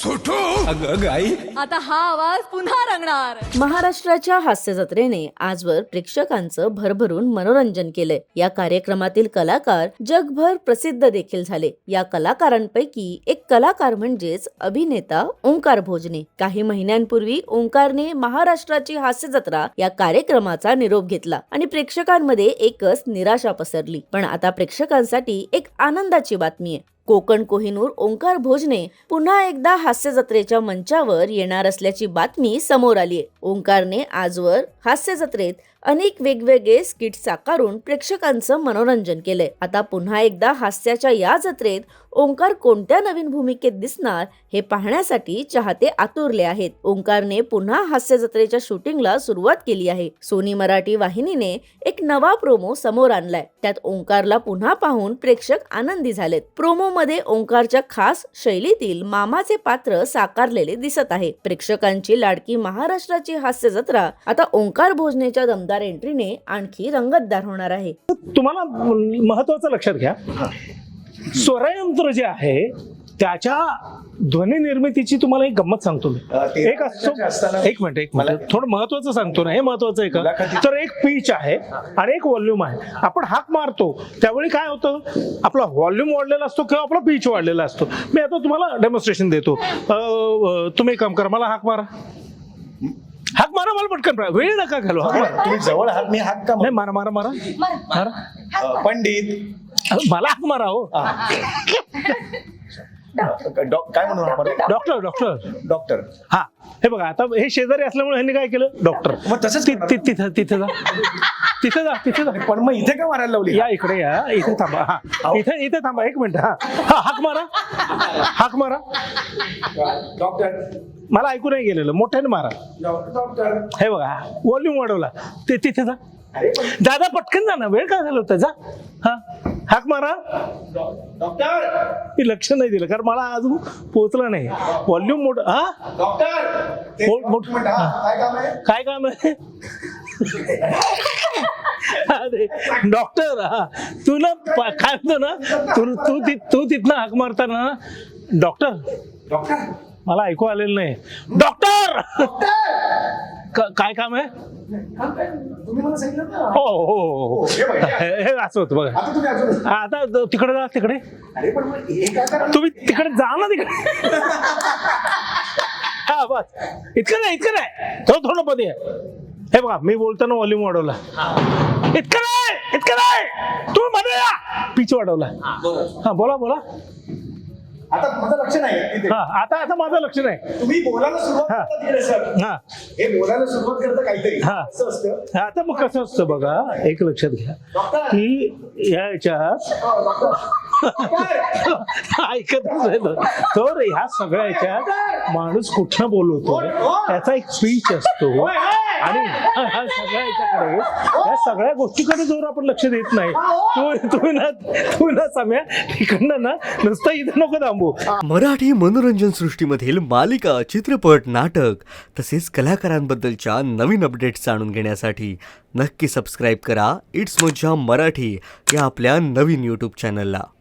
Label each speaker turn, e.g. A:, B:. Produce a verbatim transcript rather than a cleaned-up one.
A: छोटू. अगं अगं आई,
B: आता हा आवाज पुन्हा रंगणार.
C: महाराष्ट्राच्या हास्य जत्रेने आजवर प्रेक्षकांचं भरभरून मनोरंजन केलंय. या कार्यक्रमातील कलाकार जगभर प्रसिद्ध देखील झाले. या कलाकारांपैकी एक कलाकार म्हणजेच अभिनेता ओंकार भोजने. काही महिन्यांपूर्वी ओंकारने महाराष्ट्राची हास्य जत्रा या कार्यक्रमाचा निरोप घेतला आणि प्रेक्षकांमध्ये एकच निराशा पसरली. पण आता प्रेक्षकांसाठी एक आनंदाची बातमी आहे. कोकण कोहिनूर ओंकार भोजने पुन्हा एकदा हास्य जत्रेच्या मंचावर येणार असल्याची बातमी समोर आली आहे. ओंकारने आजवर हास्य जत्रेत अनेक वेगवेगळे स्किट साकारून प्रेक्षकांचं मनोरंजन केलंय. आता पुन्हा एकदा हास्याच्या या जत्रेत ओंकार कोणत्या नवीन भूमिकेत दिसणार हे पाहण्यासाठी चाहते आतुरले आहेत. ओंकारने पुन्हा हास्य जत्रेच्या शूटिंगला सुरुवात केली आहे. सोनी मराठी वाहिनीने एक नवा प्रोमो समोर आणलाय. त्यात ओंकारला पुन्हा पाहून प्रेक्षक आनंदी झालेत. प्रोमो मध्ये ओंकारच्या खास शैलीतील मामाचे पात्र साकारलेले दिसत आहे. प्रेक्षकांची लाडकी महाराष्ट्राची हास्य जत्रा आता ओंकार भोजनेच्या दमदार एंट्रीने आणखी रंगतदार होणार आहे.
D: तुम्हाला महत्वाचं लक्षात घ्या, स्वरयंत्र जे आहे त्याच्या ध्वनी निर्मितीची तुम्हाला एक गंमत सांगतो मी. एक असतो एक मिनिट एक मिनिट थोडं महत्वाचं सांगतो ना, हे महत्वाचं आहे का? तर एक पिच आहे आणि एक व्हॉल्यूम आहे. आपण हाक मारतो त्यावेळी काय होतं, आपला व्हॉल्यूम वाढलेला असतो किंवा आपला पिच वाढलेला असतो. मी आता तुम्हाला डेमॉन्स्ट्रेशन देतो. तुम्ही एक काम करा, मला हाक मारा. हाक मारा, मला पटकन, वेळ नका घालू. हाक मारा.
E: तुम्ही जवळ हात, मी हात का
D: नाही, मारा मारा मारा मारा.
E: अ, पंडित
D: मला हाक मारा हो.
E: डॉ- काय म्हणून आपण
D: डॉक्टर डॉक्टर
E: डॉक्टर.
D: हा, हे बघा, आता हे शेजारी असल्यामुळे ह्यांनी काय केलं, डॉक्टर.
E: मग तसंच
D: ति- ति- तिथं तिथं जा तिथं जा तिथं जा.
E: पण मग इथे का मारायला लावली?
D: या इकडे या, इथे थांबा. हा, इथे इथे थांबा एक मिनिट. हा हा, हाक मारा, हाक मारा.
E: डॉक्टर
D: मला ऐकू नाही गेलेलं, मोठ्याने मारा.
E: डॉक्टर.
D: हे बघा, व्हॉल्यूम वाढवला. ते तिथे जा.
E: अरे पण
D: दादा पटकन जा ना, वेळ काय झाला होता, जा. हा, हाक मारा.
E: डॉक्टर
D: मी लक्ष नाही दिलं कारण मला अजून पोहोचलं नाही. व्हॉल्यूम मोठ. हा,
E: डॉक्टर ते
D: मोठ- मोठ-
E: मिनिट, हा, काय काम आहे?
D: काय काम आहे? अरे डॉक्टर, हा तू ना प- काय म्हणतो ना, तू तू ति- तू तिथनं हाक मारताना डॉक्टर,
E: डॉक्टर
D: मला ऐकू आलेलं नाही. डॉक्टर क- काय काम आहे?
E: तुम्ही मला सांगितलं ना.
D: हो हो हो हो.
E: हे बघा.
D: हे हे असं होतं बघा.
E: आता तुम्ही अजून
D: हा, आता तिकडे जा, तिकडे
E: अरे पण मग हे काय करा?
D: तुम्ही तिकडे जा ना, तिकडे. हा बस, इतकं नाही, इतकं नाही, थोडं थोडं मध्ये आहे. हे बघा, मी बोलताना व्हॉल्यूम वाढवला. इतकं नाही, इतकं नाही, तुम्ही मध्ये या. पिच वाढवला. हा, बोला बोला.
E: आता माझं लक्ष नाही तिथे.
D: हा, आता आता माझं लक्ष नाही.
E: तुम्ही बोलायला सुरुवात
D: हा.
E: करता तिकडे सर.
D: हा
E: हे बोलायला सुरुवात करता काहीतरी
D: हा.
E: असं असतं.
D: आता मग कसं असतं बघा, एक लक्षात घ्या की या याच्यात
E: हो, डॉक्टर.
D: ऐकत असेल तर ह्या सगळ्या याच्यात माणूस कुठनं बोलवतो त्याचा एक स्पीच असतो आणि ह्या सगळ्या याच्याकडे या सगळ्या गोष्टीकडे जर आपण लक्ष देत नाही, तू तू ना तू ना सम्या तिकडनं ना नुसतं इथं नको थांबू.
F: मराठी मनोरंजन सृष्टीमधील मालिका, चित्रपट, नाटक तसेच कलाकारांबद्दलच्या नवीन अपडेट्स जाणून घेण्यासाठी नक्की सबस्क्राईब करा इट्स मज्जा मराठी या आपल्या नवीन यूट्यूब चॅनलला.